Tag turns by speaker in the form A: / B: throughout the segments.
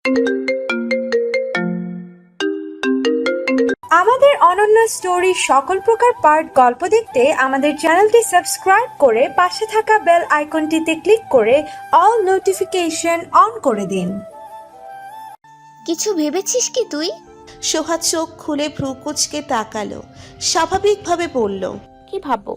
A: আমাদের অনন্য স্টোরি সকল প্রকার পার্ট গল্প দেখতে আমাদের চ্যানেলটি সাবস্ক্রাইব করে পাশে থাকা বেল আইকনটিতে ক্লিক করে অল নোটিফিকেশন অন করে দিন।
B: কিছু ভেবেছিস কি তুই?
C: সোহা চোখ খুলে ভ্রু কুঁচকে তাকালো, স্বাভাবিকভাবে বলল,
D: কি ভাববো?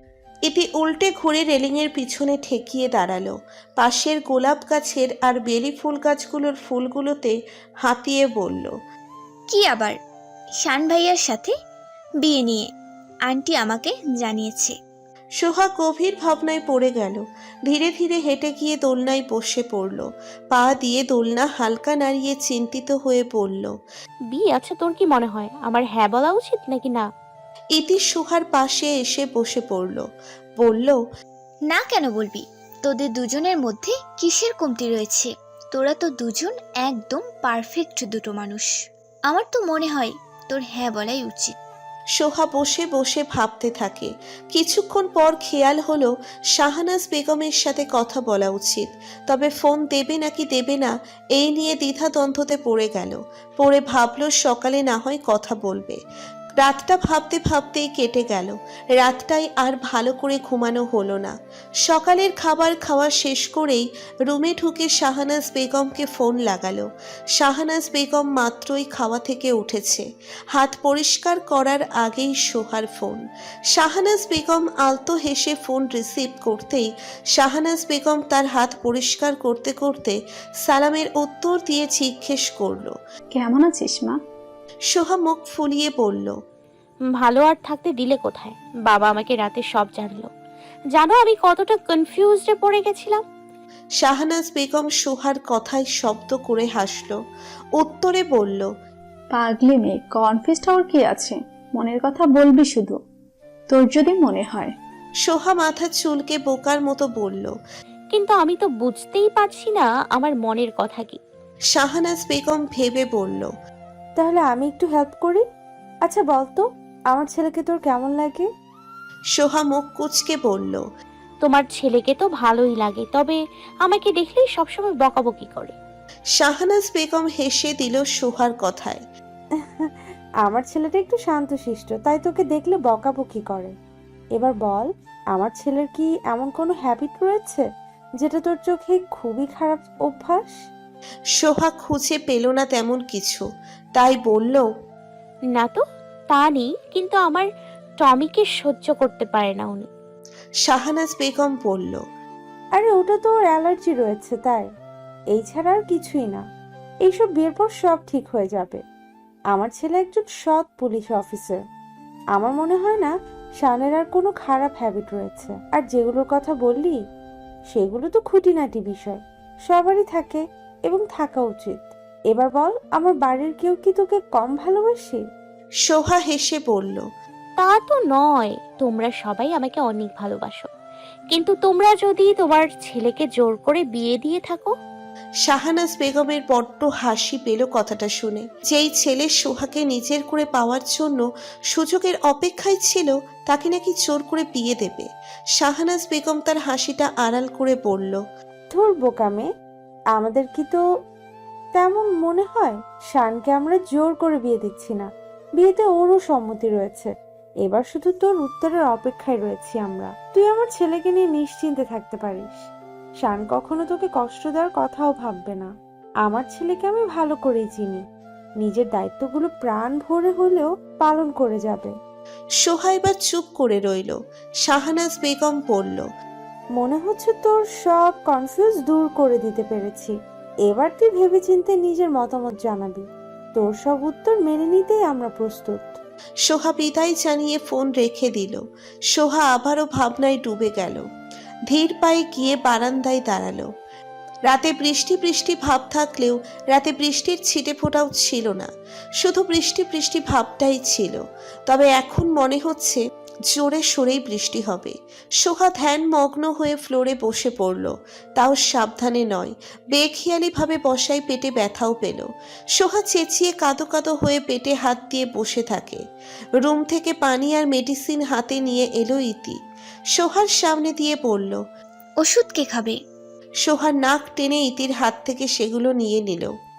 C: ইতি উল্টে ঘুরে রেলিংয়ের পিছনে ঠেকিয়ে দাঁড়ালো। পাশের গোলাপ গাছের আর বেলি ফুল গাছগুলোর ফুলগুলোতে হাতিয়ে বলল,
B: কি আবার? শান ভাইয়ার সাথে বিয়ে নিয়ে আন্টি আমাকে জানিয়েছে।
C: সোহা গভীর ভাবনায় পড়ে গেল। ধীরে ধীরে হেঁটে গিয়ে দোলনায় বসে পড়ল। পা দিয়ে দোলনা হালকা নাড়িয়ে চিন্তিত হয়ে পড়ল,
D: বিয়ে? আচ্ছা, তোর কি মনে হয় আমার হ্যাঁ বলা উচিত নাকি না?
C: ইতি সোহার পাশে এসে বসে পড়ল, বলল,
B: না কেন বলবি? তোদের দুজনের মধ্যে কিসের কমতি রয়েছে? তোরা তো দুজন একদম পারফেক্ট দুটো মানুষ। আমার তো মনে হয় তোর হ্যাঁ বলাই উচিত।
C: সোহা বসে বসে ভাবতে থাকে। কিছুক্ষণ পর খেয়াল হলো শাহানাজ বেগমের সাথে কথা বলা উচিত, তবে ফোন দেবে নাকি দেবে না এই নিয়ে দ্বিধাদ্বন্দ্বতে পড়ে গেল। পরে ভাবলো সকালে না হয় কথা বলবে। রাতটা ভাবতে ভাবতেই কেটে গেল। রাতটাই আর ভালো করে ঘুমানো হলো না। সকালের খাবার খাওয়া শেষ করেই রুমে ঢুকে শাহানাজ বেগমকে ফোন লাগালো। শাহানাজ বেগম মাত্রই খাওয়া থেকে উঠেছে। হাত পরিষ্কার করার আগেই সোহার ফোন। শাহানাজ বেগম আলতো হেসে ফোন রিসিভ করতেই শাহানাজ বেগম তার হাত পরিষ্কার করতে করতে সালামের উত্তর দিয়ে জিজ্ঞেস করলো,
E: কেমন আছিস মা?
C: সোহা মুখ ফুলিয়ে বলল,
D: ভালো আর থাকতে দিলে কোথায়? বাবা আমাকে রাতে সব জানলো। জানো আমি কতটা কনফিউজডে পড়ে গেছিলাম।
C: শাহানাজ বেগম সোহার কথায় শব্দ করে হাসলো। উত্তরে বলল,
E: পাগলি মেয়ে, কনফিউজড হওয়ার কি আছে? মনের কথা বলবি শুধু, তোর যদি মনে হয়।
C: সোহা মাথা চুলকে বোকার মতো বলল।
D: কিন্তু আমি তো বুঝতেই পারছি না আমার মনের কথা কি।
C: শাহানাজ বেগম ভেবে বলল,
A: তাহলে আমি একটু হেল্প করি। আচ্ছা বলতো, আমার ছেলেকে তোর কেমন লাগে?
C: সোহা মুখ কুঁচকে বলল,
D: তোমার ছেলেকে তো ভালোই লাগে, তবে আমাকে দেখলেই সবসময় বকাবকি করে।
C: শাহানাজ বেগম হেসে দিল সোহার কথায়।
A: আমার ছেলেটা একটু শান্তশিষ্ট, তাই তোকে দেখলে বকাবকি করে। এবার বল, আমার ছেলের কি এমন কোনো হ্যাবিট রয়েছে যেটা তোর চোখে খুবই খারাপ অভ্যাস?
C: সোহা খুঁজে পেল না তেমন কিছু, তাই বলল,
D: না তো, তা নেই, কিন্তু আমার টমিকে সহ্য করতে পারে না উনি।
C: শাহানাজ বেগম বলল,
A: আরে ওটা তো ওর অ্যালার্জি রয়েছে তাই, এই ছাড়া আর কিছুই না। এইসব বিয়ের পর সব ঠিক হয়ে যাবে। আমার ছেলে একজন সৎ পুলিশ অফিসার। আমার মনে হয় না শানের আর কোনো খারাপ হ্যাবিট রয়েছে। আর যেগুলোর কথা বললি সেগুলো তো খুঁটিনাটি বিষয়, সবারই থাকে এবং থাকা উচিত। এবার বল, আমার বাড়ির কেউ কি তোকে কম ভালোবাসে?
C: সোহা হেসে বলল,
D: তা তো নয়, তোমরা সবাই আমাকে অনেক ভালোবাসো, কিন্তু তোমরা যদি তোমার ছেলেকে জোর করে বিয়ে দিয়ে থাকো।
C: শাহানাজ বেগমের বড্ড হাসি পেল কথাটা শুনে। যেই ছেলে সোহাকে নিজের করে পাওয়ার জন্য সুযোগের অপেক্ষায় ছিল, তাকে নাকি জোর করে বিয়ে দেবে। শাহানাজ বেগম তার হাসিটা আড়াল করে বলল,
A: ধুর বোকামে, আমাদের কি তো তেমন মনে হয়? শানকে আমরা জোর করে বিয়ে দিচ্ছি না, বিয়েতে ওরও সম্মতি রয়েছে। এবার শুধু তোর উত্তরের অপেক্ষায় রয়েছি আমরা। তুই আমার ছেলেকে নিয়ে নিশ্চিন্তে থাকতে পারিস। শান কখনো তোকে কষ্ট দেওয়ার কথাও ভাববে না। আমার ছেলেকে আমি ভালো করেই চিনি, নিজের দায়িত্বগুলো প্রাণ ভরে হলেও পালন করে যাবে।
C: সোহা এবার চুপ করে রইল। শাহানাজ বেগম বলল,
A: মনে হচ্ছে তোর সব কনফিউজ দূর করে দিতে পেরেছি। এবার তুই ভেবেচিন্তে নিজের মতামত জানাবি। তোর সব উত্তর মেনে নিতেই আমরা প্রস্তুত।
C: সোহা বিদায় জানিয়ে ফোন রেখে দিল। সোহা আবারও ভাবনায় ডুবে গেল। ধীর পায়ে গিয়ে বারান্দায় দাঁড়ালো। রাতে বৃষ্টি বৃষ্টি ভাব থাকলেও রাতে বৃষ্টির ছিটে ফোঁটাও ছিল না, শুধু বৃষ্টি বৃষ্টি ভাবটাই ছিল। তবে এখন মনে হচ্ছে জোরে সোরেই বৃষ্টি হবে। সোহা ধ্যান মগ্ন হয়ে ফ্লোরে বসে পড়ল, তাও সাবধানে নয়, বেখেয়ালিভাবে বসায় পেটে ব্যথাও পেল। সোহা চেঁচিয়ে কাঁদো কাঁদো হয়ে পেটে হাত দিয়ে বসে থাকে। রুম থেকে পানি আর মেডিসিন হাতে নিয়ে এলো ইতি। সোহার সামনে দিয়ে বলল,
B: ওষুধ কে খাবে?
C: সোহা নাক টেনে ইতির হাত থেকে সেগুলো নিয়ে নিল।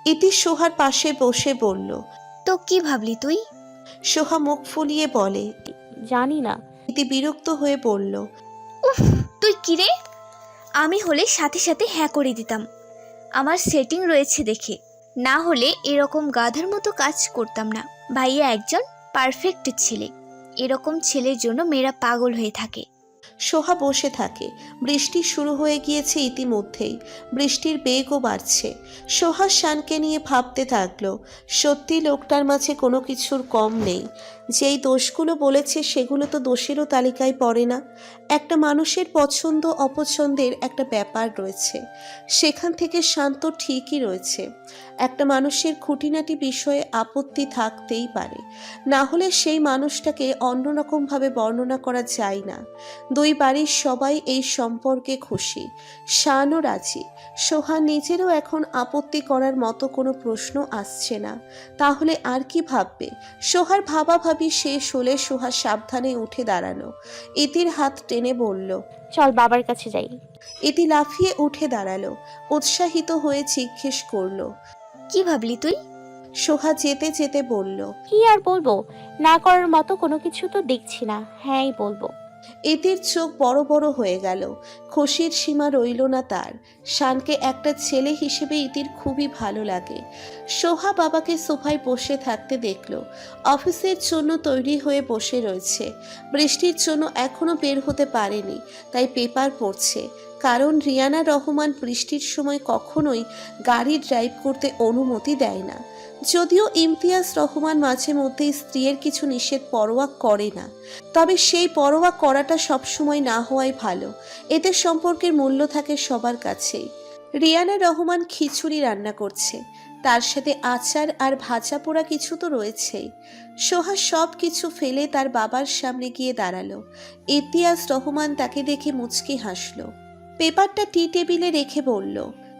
C: ইতি সোহার পাশে বসে বলল।
B: তো কি ভাবলি তুই?
C: সোহা মুখ ফুলিয়ে বলে।
D: জানি না।
C: ইতি বিরক্ত হয়ে বলল।
B: উফ, তুই কি রে? আমি হলে সাথে সাথে হ্যাঁ করে দিতাম, আমার সেটিং রয়েছে দেখে। না হলে এরকম গাধার মতো কাজ করতাম না। ভাইয়া একজন পারফেক্ট ছেলে, এরকম ছেলের জন্য মেয়েরা পাগল হয়ে থাকে।
C: সোহা বসে থাকে। বৃষ্টি শুরু হয়ে গিয়েছে ইতিমধ্যেই, বৃষ্টির বেগও বাড়ছে। সোহা শানকে নিয়ে ভাবতে থাকলো, সত্যি লোকটার মাঝে কোনো কিছুর কম নেই। যেই দোষগুলো বলেছে সেগুলো তো দোষেরও তালিকায় পড়ে না। একটা মানুষের পছন্দ অপছন্দের একটা ব্যাপার রয়েছে, সেখান থেকে শান্ত ঠিকই রয়েছে। একটা মানুষের খুঁটিনাটি বিষয়ে আপত্তি থাকতেই পারে, না হলে সেই মানুষটাকে অন্যরকমভাবে বর্ণনা করা যায় না। দুই বাড়ির সবাই এই সম্পর্কে খুশি, শানও রাজি। সোহা নিজেরও এখন আপত্তি করার মতো কোনো প্রশ্ন আসছে না, তাহলে আর কি ভাববে? সোহার ভাবাভাবি শেষ হলে সোহা সাবধানে উঠে দাঁড়ালো। ইতির হাত টেনে বলল,
D: চল বাবার কাছে যাই।
C: ইতি লাফিয়ে উঠে দাঁড়ালো, উৎসাহিত হয়ে জিজ্ঞেস করলো।
B: কি ভাবলি তুই?
C: সোহা যেতে যেতে বলল।
D: কি আর বলবো, না করার মতো কোনো কিছু তো দেখছি না, হ্যাঁই বলবো।
C: ইতির চোখ বড় বড় হয়ে গেল, খুশির সীমা রইল না তার। শানকে একটা ছেলে হিসেবে ইতির খুবই ভালো লাগে। সোহা বাবাকে সোফায় বসে থাকতে দেখল, অফিসের জন্য তৈরি হয়ে বসে রয়েছে। বৃষ্টির জন্য এখনো বের হতে পারেনি, তাই পেপার পড়ছে। কারণ রিয়ানা রহমান বৃষ্টির সময় কখনোই গাড়ি ড্রাইভ করতে অনুমতি দেয় না। যদিও ইমতিয়াজ রহমান মাঝে মধ্যে স্ত্রীর কিছু নিষেধ পরোয়া করে না, তবে সেই পরোয়া করাটা সবসময় না হওয়াই ভালো। এতে সম্পর্কের মূল্য থাকে সবার কাছেই। রিয়ানা রহমান খিচুড়ি রান্না করছে, তার সাথে আচার আর ভাজা পোড়া কিছু তো রয়েছেই। সোহা সব কিছু ফেলে তার বাবার সামনে গিয়ে দাঁড়ালো। ইমতিয়াজ রহমান তাকে দেখে মুচকি হাসলো, পেপারটা টি টেবিলে রেখে বলল।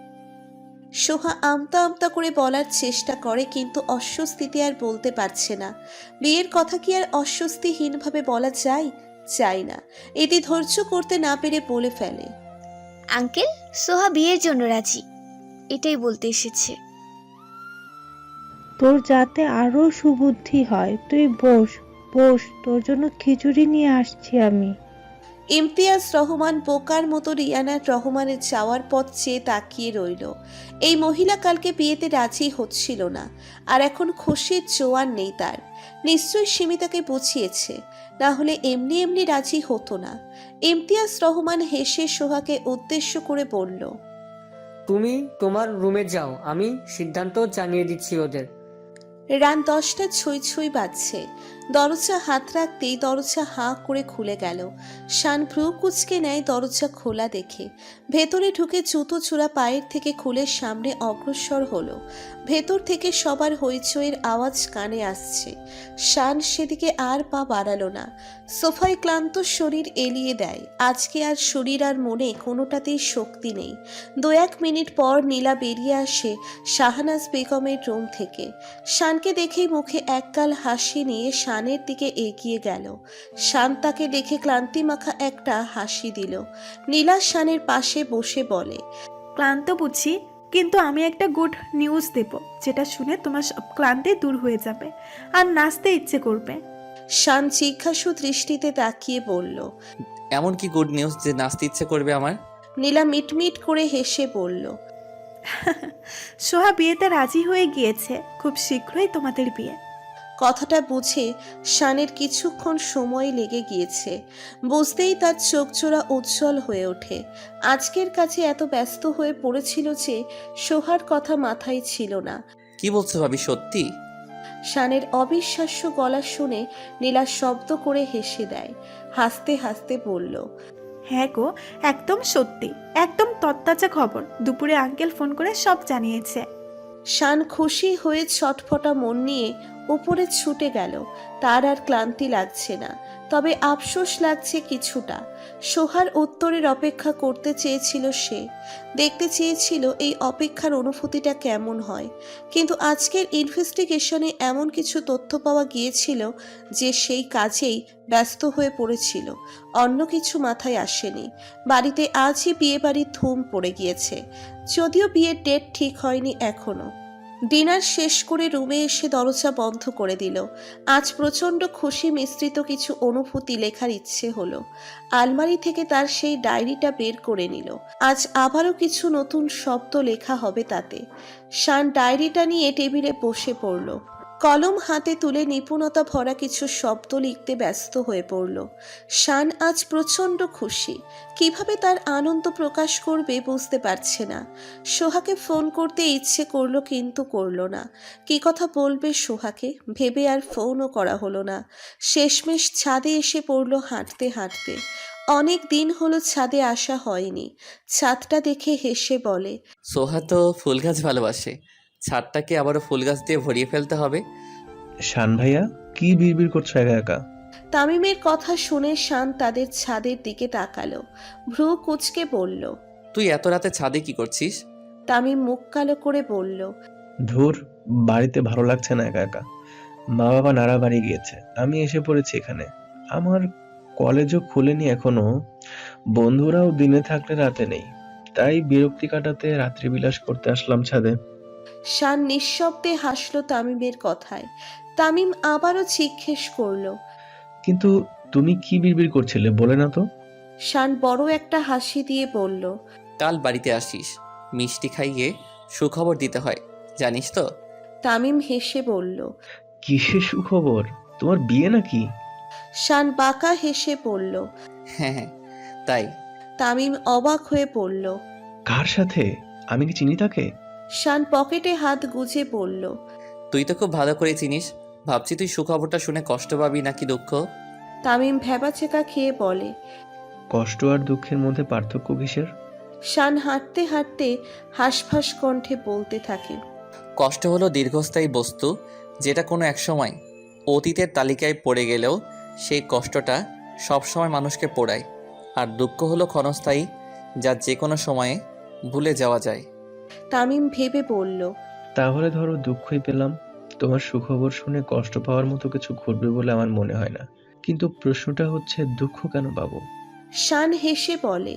C: সোহা আমতা আমতা করে বলার চেষ্টা করে, কিন্তু অস্বস্তিতে আর বলতে পারছে না। বিয়ের কথা কি আর অস্বস্তিহীনভাবে বলা যায়? চাই না। এটি ধৈর্য করতে না পেরে বলে ফেলে,
B: আঙ্কেল, সোহা বিয়ের জন্য রাজি, এটাই বলতে এসেছে।
F: তোর যাতে আরো সুবুদ্ধি হয়, তুই বস বস, তোর জন্য খিচুড়ি নিয়ে আসছি আমি।
C: ইমতিয়াজ রহমান বোকার মতো রিয়ানা রহমানের যাওয়ার পথ চেয়ে তাকিয়ে রইল। এই মহিলা কালকে বিয়েতে রাজি হচ্ছিল না, আর এখন খুশির জোয়ার নেই তার। নিশ্চয়ই সিমিতাকে বুঝিয়েছে, না হলে এমনি এমনি রাজি হতো না। ইমতিয়াজ রহমান হেসে সোহাকে উদ্দেশ্য করে বলল,
G: তুমি তোমার রুমে যাও, আমি সিদ্ধান্ত জানিয়ে দিচ্ছি ওদের।
C: রাত 10টা ছুঁই ছুঁই বাজছে। দরজা হাত রাখতেই দরজা হাঁ করে খুলে গেল। শান ভ্রু কুচকে নেয় দরজা খোলা দেখে। ভেতরে ঢুকে জুতো চূড়া পায়ের থেকে খুলে সামনে অগ্রসর হলো। ভেতর থেকে সবার হইচইয়ের আওয়াজ কানে আসছে। শান সেদিকে আর পা বাড়ালো না, সোফায় ক্লান্ত শরীর এলিয়ে দেয়। আজকে আর শরীর আর মনে কোনোটাতেই শক্তি নেই। 2-1 মিনিট পর নীলা বেরিয়ে আসে শাহনাজ বেগমের রুম থেকে। শানকে দেখেই মুখে একগাল হাসি নিয়ে শানের দিকে এগিয়ে গেল। শান তাকে দেখে ক্লান্তি মাখা একটা হাসি দিল। নীলা শানের পাশে বসে বলে,
H: ক্লান্ত বুঝি, কিন্তু আমি একটা গুড নিউজ দেব, যেটা শুনে তোমার সব ক্লান্তি দূর হয়ে যাবে আর নাচতে ইচ্ছে করবে।
C: শান জিজ্ঞাসু দৃষ্টিতে তাকিয়ে বলল,
I: এমন কি গুড নিউজ যে নাচতে ইচ্ছে করবে আমার?
C: নীলা মিটমিট করে হেসে বলল,
H: সোহা বিয়েতে রাজি হয়ে গিয়েছে, খুব শীঘ্রই তোমাদের বিয়ে।
C: কথাটা বুঝে শানের কিছুক্ষণ সময় লেগে গিয়েছে। বুঝতেই তার চোখজোড়া উজ্জ্বল হয়ে ওঠে। আজকের কাছে এত ব্যস্ত হয়ে পড়েছিল যে সোহার কথা মাথায় ছিল না।
I: কি বলছো ভাবি, সত্যি?
C: শানের অবিশ্বাস্য গলা শুনে নীলা শব্দ করে হেসে দেয়। হাসতে হাসতে বলল,
H: হ্যাঁ গো, একদম সত্যি, একদম তত্তাজা খবর। দুপুরে আঙ্কেল ফোন করে সব জানিয়েছে।
C: শান খুশি হয়ে ছটফটা মন নিয়ে উপরে ছুটে গেল। তার আর ক্লান্তি লাগছে না, তবে আফসোস লাগছে কিছুটা। সোহার উত্তরের অপেক্ষা করতে চেয়েছিল সে, দেখতে চেয়েছিল এই অপেক্ষার অনুভূতিটা কেমন হয়। কিন্তু আজকের ইনভেস্টিগেশনে এমন কিছু তথ্য পাওয়া গিয়েছিল যে সেই কাজেই ব্যস্ত হয়ে পড়েছিল, অন্য কিছু মাথায় আসেনি। বাড়িতে আজই বিয়ে বাড়ির ধুম পড়ে গিয়েছে, যদিও বিয়ের ডেট ঠিক হয়নি এখনো। ডিনার শেষ করে রুমে এসে দরজা বন্ধ করে দিল। আজ প্রচণ্ড খুশি মিশ্রিত কিছু অনুভূতি লেখার ইচ্ছে হলো। আলমারি থেকে তার সেই ডায়েরিটা বের করে নিল। আজ আবারও কিছু নতুন শব্দ লেখা হবে তাতে। শান ডায়েরিটা নিয়ে টেবিলে বসে পড়ল। কলম হাতে তুলে নিপুণতা ভরা কিছু শব্দ লিখতে ব্যস্ত হয়ে পড়ল। শান আজ প্রচণ্ড খুশি। কিভাবে তার আনন্দ প্রকাশ করবে বুঝতে পারছে না। সোহাকে ফোন করতে ইচ্ছে করলো কিন্তু করলো না। কি কথা বলবে সোহাকে ভেবে আর ফোনও করা হলো না। শেষমেশ ছাদে এসে পড়ল হাঁটতে হাঁটতে। অনেক দিন হলো ছাদে আসা হয়নি। ছাদটা দেখে হেসে বলে,
I: সোহা তো ফুল গাছ ভালোবাসে, ছাদটাকে আবারও ফুল গাছ দিয়ে ভরিয়ে ফেলতে হবে।
J: শান ভাইয়া কি বিড়বিড় করছো একা একা?
C: তামিমের কথা শুনে শান তাদের ছাদের দিকে তাকালো। ভ্রু কুঁচকে বলল,
I: তুই এত রাতে ছাদে কি করছিস?
C: তামিম মুখ কালো করে বলল,
J: ধুর, বাড়িতে ভালো লাগছে না একা একা। মা বাবা নাড়া বাড়ি গিয়েছে, আমি এসে পড়েছি এখানে। আমার কলেজও খুলেনি এখনো, বন্ধুরাও দিনে থাকলে রাতে নেই, তাই বিরক্তি কাটাতে রাত্রিবিলাস করতে আসলাম ছাদে।
C: শান নিঃশব্দে হাসলো তামিমের কথায়। তামিম আবারও জিজ্ঞেস করলো,
J: কিন্তু তুমি কি বিড়বিড় করছিলে বলে না তো?
C: শান বড় একটা হাসি দিয়ে বলল,
I: কাল বাড়িতে আসিস, মিষ্টি খাইয়ে সুখবর দিতে হয়, জানিস তো?
C: তামিম হেসে বলল।
J: কিসের সুখবর? তোমার বিয়ে নাকি?
C: শান বাঁকা হেসে বলল।
I: হ্যাঁ হ্যাঁ, তাই।
C: তামিম অবাক হয়ে পড়ল।
J: কার সাথে? আমি কি চিনি তাকে?
C: শান পকেটে হাত গুজে বলল,
I: তুই তো খুব ভালো করে চিনিস, ভাবছি তুই সুখবরটা শুনে কষ্ট পাবি নাকি দুঃখ।
C: তামিম ভ্যাবাচেকা খেয়ে বলে।
J: কষ্ট আর দুঃখের মধ্যে পার্থক্য কিসের?
C: শান হাঁটতে হাঁটতে হাঁসফাঁস কণ্ঠে বলতে থাকে,
I: কষ্ট হলো দীর্ঘস্থায়ী বস্তু, যেটা কোনো এক সময় অতীতের তালিকায় পড়ে গেলেও সেই কষ্টটা সবসময় মানুষকে পোড়ায়। আর দুঃখ হলো ক্ষণস্থায়ী, যা যে কোনো সময়ে ভুলে যাওয়া যায়।
C: তামিম ভেবে বলল,
J: তাহলে ধরো দুঃখই পেলাম, তোমার সুখবর শুনে কষ্ট পাওয়ার মতো কিছু ঘটবে বলে আমার মনে হয় না। কিন্তু প্রশ্নটা হচ্ছে দুঃখ কেন পাবো?
C: শান হেসে বলে,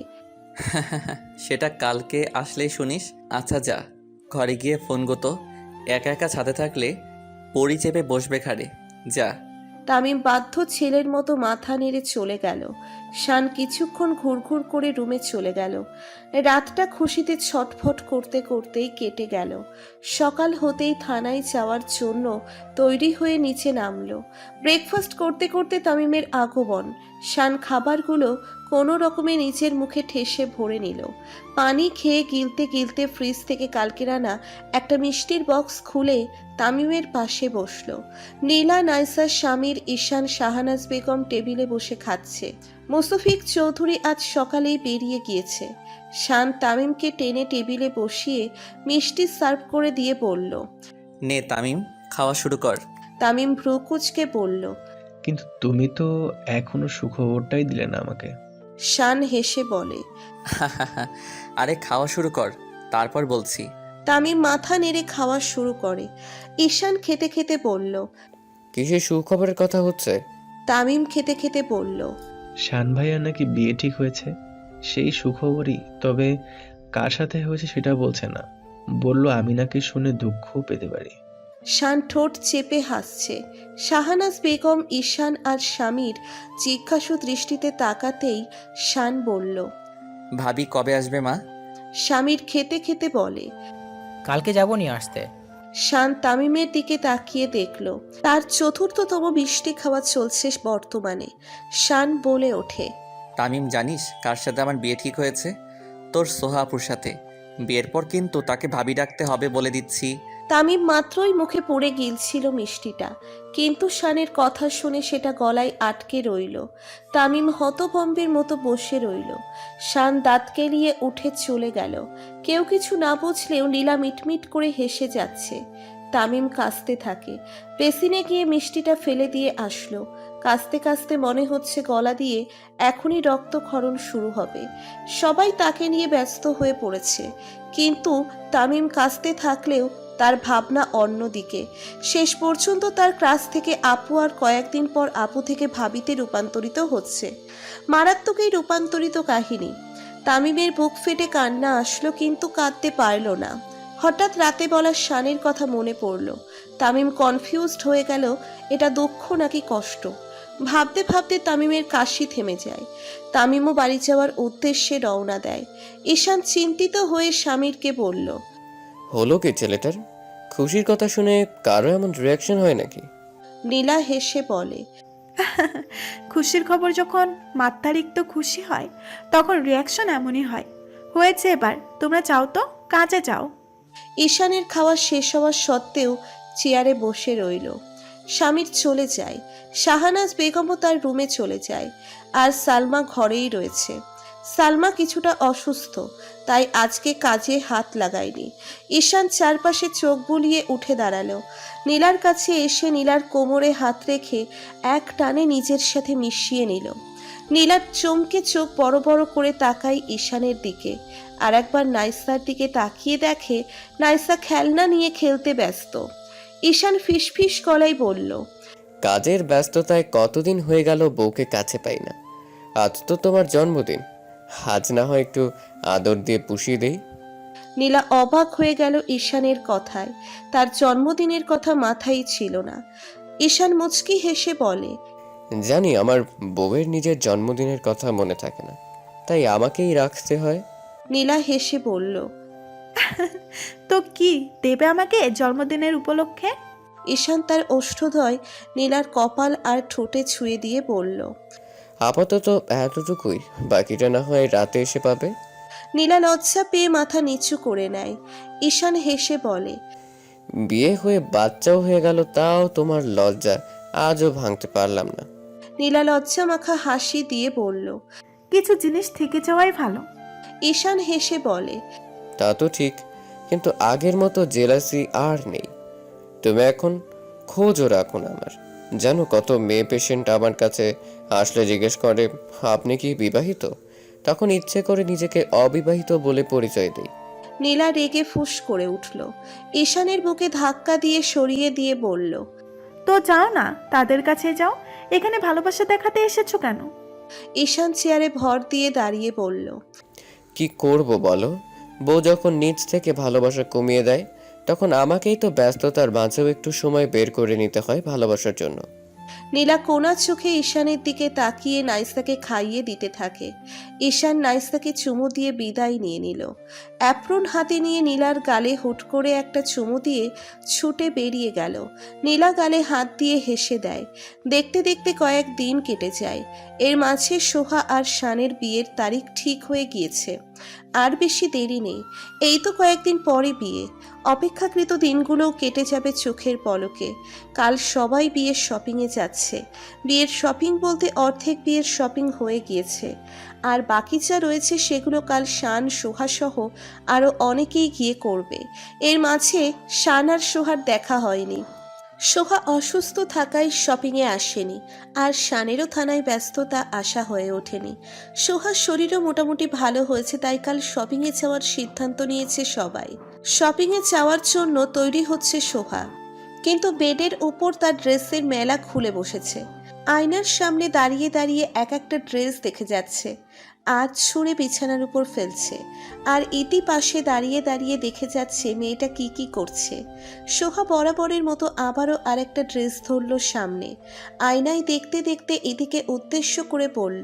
I: সেটা কালকে আসলেই শুনিস। আচ্ছা যা, ঘরে গিয়ে ফোন গতো, একা একা ছাদে থাকলে পড়ি চেপে বসবে ঘাড়ে, যা।
C: তামিম বাধ্য ছেলের মতো মাথা নেড়ে চলে গেল। শান কিছুক্ষণ ঘুরঘুর করে রুমে চলে গেল। রাতটা খুশিতে ছটফট করতে করতেই কেটে গেল। সকাল হতেই থানায় যাওয়ার জন্য তৈরি হয়ে নিচে নামলো। ব্রেকফাস্ট করতে করতে তামিমের আগমন। শান খাবারগুলো কোনো রকমে নিচের মুখে ঠেসে ভরে নিল। পানি খেয়ে গিলতে গিলতে ফ্রিজ থেকে কালকের আনা একটা মিষ্টির বক্স খুলে তামিমের পাশে বসলো। নীলা, নাইসা, শামির, ঈশান, শাহানাজ বেগম টেবিলে বসে খাচ্ছে। মুস্তফিক চৌধুরী আজ সকালেই বেরিয়ে গিয়েছে। শান তামিমকে টেনে টেবিলে বসিয়ে মিষ্টি সার্ভ করে দিয়ে বলল,
I: নে তামিম, খাওয়া শুরু কর।
C: তামিম ভ্রু কুঁচকে বলল,
J: কিন্তু তুমি তো এখনো সুখবরটাই দিলে না আমাকে।
C: শান হেসে বলে।
I: আরে খাওয়া শুরু কর, তারপর বলছি।
C: তামিম মাথা নেড়ে খাওয়া শুরু করে। ঈশান খেতে খেতে বলল।
I: কিসের সুখবরের কথা হচ্ছে?
C: তামিম খেতে খেতে বলল,
J: শান ভাইয়ার নাকি বিয়ে ঠিক হয়েছে, সেই সুখবরই। তবে কার সাথে হয়েছে সেটা বলছে না, বললো আমি নাকি শুনে দুঃখও পেতে পারি।
C: শান ঠোঁট চেপে হাসছে। শাহানাজ বেগম ঈশান আর স্বামীর জিজ্ঞাসু দৃষ্টিতে তাকাতেই শান বলল,
I: ভাবি কবে আসবে মা?
C: স্বামীর খেতে খেতে বলে।
K: কালকে যাবো নিয়ে আসতে।
C: শান তামিমের দিকে তাকিয়ে দেখল তার চতুর্থতম মিষ্টি খাওয়া চলছে বর্তমানে। শান বলে ওঠে,
I: তামিম জানিস কার সাথে আমার বিয়ে ঠিক হয়েছে? তোর সোহা আপুর সাথে। বিয়ের পর কিন্তু তাকে ভাবি ডাকতে হবে বলে দিচ্ছি।
C: তামিম মাত্রই মুখে পড়ে গিলছিল মিষ্টিটা, কিন্তু শানের কথা শুনে সেটা গলায় আটকে রইল। তামিম হতভম্বের মতো বসে রইল। শান দাঁত কেলিয়ে উঠে চলে গেল। কেউ কিছু না বুঝলেও নীলা মিটমিট করে হেসে যাচ্ছে। তামিম কাঁদতে থাকে। বেসিনে গিয়ে মিষ্টিটা ফেলে দিয়ে আসলো। কাঁদতে কাঁদতে মনে হচ্ছে গলা দিয়ে এখনই রক্তক্ষরণ শুরু হবে। সবাই তাকে নিয়ে ব্যস্ত হয়ে পড়েছে, কিন্তু তামিম কাঁদতে থাকলেও তার ভাবনা অন্যদিকে। শেষ পর্যন্ত তার ক্লাস থেকে আপু আর কয়েকদিন পর আপু থেকে ভাবিতে রূপান্তরিত হচ্ছে। মারাত্মক এই রূপান্তরিত কাহিনী। তামিমের বুক ফেটে কান্না আসলো, কিন্তু কাঁদতে পারল না। হঠাৎ রাতে বলা শানের কথা মনে পড়ল। তামিম কনফিউজড হয়ে গেল, এটা দুঃখ নাকি কষ্ট। ভাবতে ভাবতে তামিমের কাশি থেমে যায়। তামিমও বাড়ি যাওয়ার উদ্দেশ্যে রওনা দেয়। ঈশান চিন্তিত হয়ে স্বামীরকে বলল,
L: হলো কি ছেলেটার? খুশির কথা শুনে কারো এমন রিয়াকশন হয় নাকি?
C: নীলা হেসে বলে,
H: খুশির খবর যখন মাত্রাতিরিক্ত খুশি হয় তখন রিয়াকশন এমনই হয়। হয়েছে, এবার তোমরা যাও তো, কাজে যাও।
C: ঈশানের খাওয়া শেষ হওয়ার সত্ত্বেও চেয়ারে বসে রইল। স্বামীর চলে যায়। শাহানাজ বেগমও তার রুমে চলে যায়। আর সালমা ঘরেই রয়েছে। সালমা কিছুটা অসুস্থ, তাই আজকে কাজে হাত লাগায়নি। ঈশান চারপাশে চোখ বুলিয়ে উঠে দাঁড়ালো। নীলার কাছে এসে নীলার কোমরে হাত রেখে এক টানে নিজের সাথে মিশিয়ে নিল। নীলার চমকে চোখ বড় বড় করে তাকায় ঈশানের দিকে। আর একবার নাইসার দিকে তাকিয়ে দেখে নাইসা খেলনা নিয়ে খেলতে ব্যস্ত। ঈশান ফিসফিস গলায় বলল,
L: কাজের ব্যস্ততায় কতদিন হয়ে গেল বউকে কাছে পাই না। আজ তো তোমার জন্মদিন, আজ না হয় একটু আদর দিয়ে পুষিয়ে দেই।
C: নীলা অবাক হয়ে গেল ঈশানের কথায়। তার জন্মদিনের কথা মাথায় ছিল না। ঈশান মুচকি হেসে বলে,
L: জানি আমার বউয়ের নিজের জন্মদিনের কথা মনে থাকে না, তাই আমাকেই রাখতে হয়।
C: নীলা হেসে বলল,
H: তো কি দেবে আমাকে জন্মদিনের উপলক্ষে?
C: ঈশান তার ওষ্ঠদ্বয় নীলার কপাল আর ঠোঁটে ছুঁয়ে দিয়ে বলল,
L: আপাতত এতটুকুই, বাকিটা না হয় রাতে এসে পাবে।
C: নীলা লজ্জা পেয়ে মাথা নিচু করে নেয়। ঈশান হেসে বলে,
L: বিয়ে হয়ে বাচ্চাও হয়ে গেল, তাও তোমার লজ্জা আজও ভাঙতে পারলাম না।
C: নীলা লজ্জা মাখা হাসি দিয়ে বলল,
H: কিছু জিনিস থেকে যাওয়াই ভালো।
C: ঈশান হেসে বলে,
L: তা তো ঠিক, কিন্তু আগের মতো জেলাসি আর নেই। তুমি এখন খোঁজও রাখুন আমার। জানো কত মেয়ে পেশেন্ট আমার কাছে আসলে জিজ্ঞেস করে, আপনি কি বিবাহিত? তখন ইচ্ছে করে নিজেকে অবিবাহিত বলে পরিচয় দিই।
C: নীলা রেগে ফুঁস করে উঠল। ঈশানের বুকে ধাক্কা দিয়ে সরিয়ে দিয়ে বলল,
H: তো যাও না, তাদের কাছে যাও। এখানে ভালোবাসা দেখাতে এসেছো কেন?
C: ঈশান চেয়ারে ভর দিয়ে দাঁড়িয়ে বলল,
L: কি করব বলো? বউ যখন নিজ থেকে ভালোবাসা কমিয়ে দেয়, তখন আমাকেই তো ব্যস্ততার মাঝেও একটু সময় বের করে নিতে হয় ভালোবাসার জন্য।
C: নীলা কোনা চোখে ঈশানের দিকে তাকিয়ে নাইসাকে খাইয়ে দিতে থাকে। ঈশান নাইসাকে চুমু দিয়ে বিদায় নিয়ে নিল। অ্যাপ্রন হাতে নিয়ে নীলার গালে হুট করে একটা চুমু দিয়ে ছুটে বেরিয়ে গেল। নীলা গালে হাত দিয়ে হেসে দেয়। দেখতে দেখতে কয়েক দিন কেটে যায়। এর মাঝে সোহা আর শানের বিয়ের তারিখ ঠিক হয়ে গিয়েছে। আর বেশি দেরি নেই, এই তো কয়েকদিন পরে বিয়ে। অপেক্ষাকৃত দিনগুলোও কেটে যাবে চোখের পলকে। কাল সবাই বিয়ের শপিংয়ে যাচ্ছে। বিয়ের শপিং বলতে অর্ধেক বিয়ের শপিং হয়ে গিয়েছে, আর বাকি যা রয়েছে সেগুলো কাল শান, সোহা সহ আরও অনেকেই গিয়ে করবে। এর মাঝে শান আর সোহার দেখা হয়নি। সোহা অসুস্থ থাকায় শপিংয়ে আসেনি, আর শানেরও থানায় ব্যস্ততা আসা হয়ে ওঠেনি। সোহার শরীরও মোটামুটি ভালো হয়েছে, তাই কাল শপিংয়ে যাওয়ার সিদ্ধান্ত নিয়েছে সবাই। শপিংয়ে যাওয়ার জন্য তৈরি হচ্ছে সোহা, কিন্তু বেডের উপর তার ড্রেসের মেলা খুলে বসেছে। আয়নার সামনে দাঁড়িয়ে দাঁড়িয়ে এক একটা ড্রেস দেখে যাচ্ছে, আজ ছুঁড়ে বিছানার উপর ফেলছে। আর ইতি পাশে দাঁড়িয়ে দাঁড়িয়ে দেখে যাচ্ছে মেয়েটা কি কি করছে। সোহা বরাবরের মতো আবারও আরেকটা ড্রেস ধরল সামনে। আয়নায় দেখতে দেখতে ইতিকে উদ্দেশ্য করে বলল,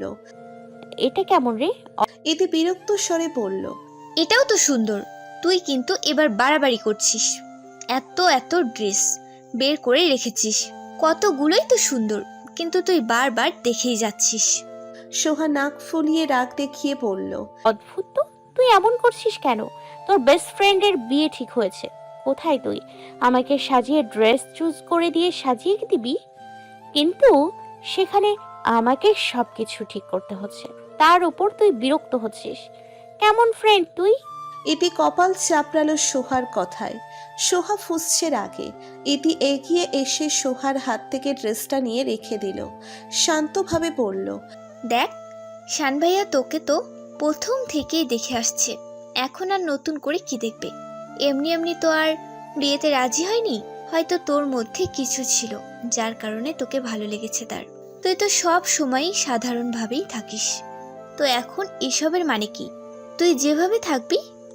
D: এটা কেমন রে?
C: ইতি বিরক্ত স্বরে বলল,
B: এটাও তো সুন্দর, তুই কিন্তু এবার বাড়াবাড়ি করছিস। এত এত ড্রেস বের করে রেখেছিস, কতগুলোই তো সুন্দর, কিন্তু তুই বারবার দেখেই যাচ্ছিস।
C: সোহা নাক ফুলিয়ে রাগ দেখিয়ে বলল,
D: অদ্ভুত তো, তুই এমন করছিস কেন? তোর বেস্ট ফ্রেন্ডের বিয়ে ঠিক হয়েছে, কোথায় তুই আমাকে সাজিয়ে ড্রেস চুজ করে দিয়ে সাজিয়ে দিবি, কিন্তু সেখানে আমাকে সবকিছু ঠিক করতে হচ্ছে, তার উপর তুই বিরক্ত হচ্ছিস। কেমন ফ্রেন্ড তুই?
C: ইতি কপাল চাপড়ালো সোহার কথায়। সোহা ফুঁসছে রাগে। ইতি এগিয়ে এসে সোহার হাত থেকে ড্রেসটা নিয়ে রেখে দিল। শান্তভাবে বলল,
B: দেখ, শান ভাইয়া তোকে তো প্রথম থেকেই দেখে আসছে, এখন আর নতুন করে কি দেখবে? এমনি এমনি তো আর বিয়েতে রাজি হয়নি, হয়তো তোর মধ্যে কিছু ছিল যার কারণে তোকে ভালো লেগেছে তার। তুই তো সব সময়ই সাধারণভাবেই থাকিস, তো এখন এসবের মানে কি? তুই যেভাবে থাকবি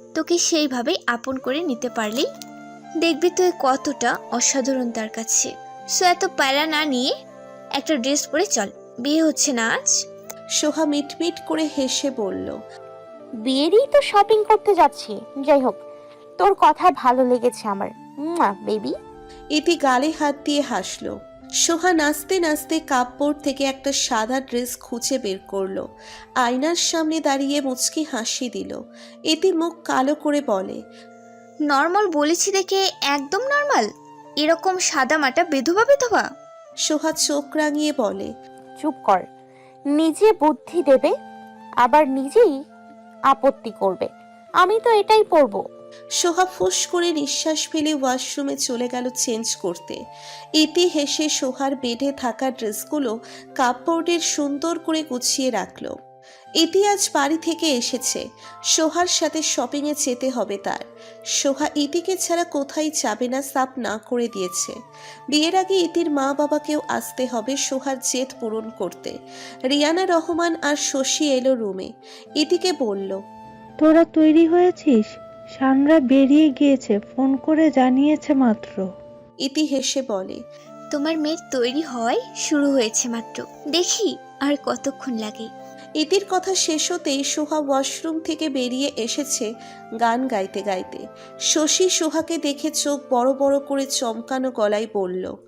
B: তোকে সেইভাবেই আপন করে নিতে পারলেই দেখবি তুই কতটা অসাধারণ তার কাছে। সো এত প্যারা না নিয়ে একটা ড্রেস পরে চল, বিয়ে হচ্ছে না আজ।
C: সোহা মিটমিট করে হেসে বলল,
D: বিয়েরই তো শপিং করতে যাচ্ছি। যাই হোক, তোর কথা ভালো লেগেছে আমার বেবি।
C: ইতি গালে হাত দিয়ে হাসলো। সোহা নাচতে নাচতে কাপড় থেকে একটা সাদা ড্রেস খুঁজে বের করলো। আয়নার সামনে দাঁড়িয়ে মুচকি হাসি দিল। ইতি মুখ কালো করে বলে,
B: নর্মাল বলেছি দেখে একদম নর্মাল, এরকম সাদা মাটা বিধবা বিধবা।
C: সোহা চোখ রাঙিয়ে বলে,
D: চুপ কর, নিজে বুদ্ধি দেবে আবার নিজেই আপত্তি করবে। আমি তো এটাই পরবো।
C: সোহা ফুস করে নিঃশ্বাস ফেলে ওয়াশরুমে চলে গেল চেঞ্জ করতে। ইতি হেসে সোহার বেডে থাকা ড্রেসগুলো কাপড়ের সুন্দর করে গুছিয়ে রাখলো। ইতি আজ বাড়ি থেকে এসেছে, সোহার সাথে শপিংয়ে যেতে হবে তার। সোহা ইতিকে ছাড়া কোথায় যাবে না সাফ না করে দিয়েছে। বিয়ের আগে ইতির মা বাবাকেও আসতে হবে সোহার জেদ পূরণ করতে। রিয়ানা রহমান আর শশী এলো রুমে। ইতিকে বলল,
F: তোরা তৈরি হয়েছিস? শানরা বেরিয়ে গিয়েছে, ফোন করে জানিয়েছে মাত্র।
C: ইতি হেসে বলে,
B: তোমার মেয়ের তৈরি হয় শুরু হয়েছে মাত্র, দেখি আর কতক্ষণ লাগে।
C: ইতির কথা শেষ হতেই সোহা ওয়াশরুম থেকে বেরিয়ে এসেছে গান গাইতে গাইতে। শশী সোহাকে দেখে চোখ বড় বড় করে চমকানো গলায় বলল,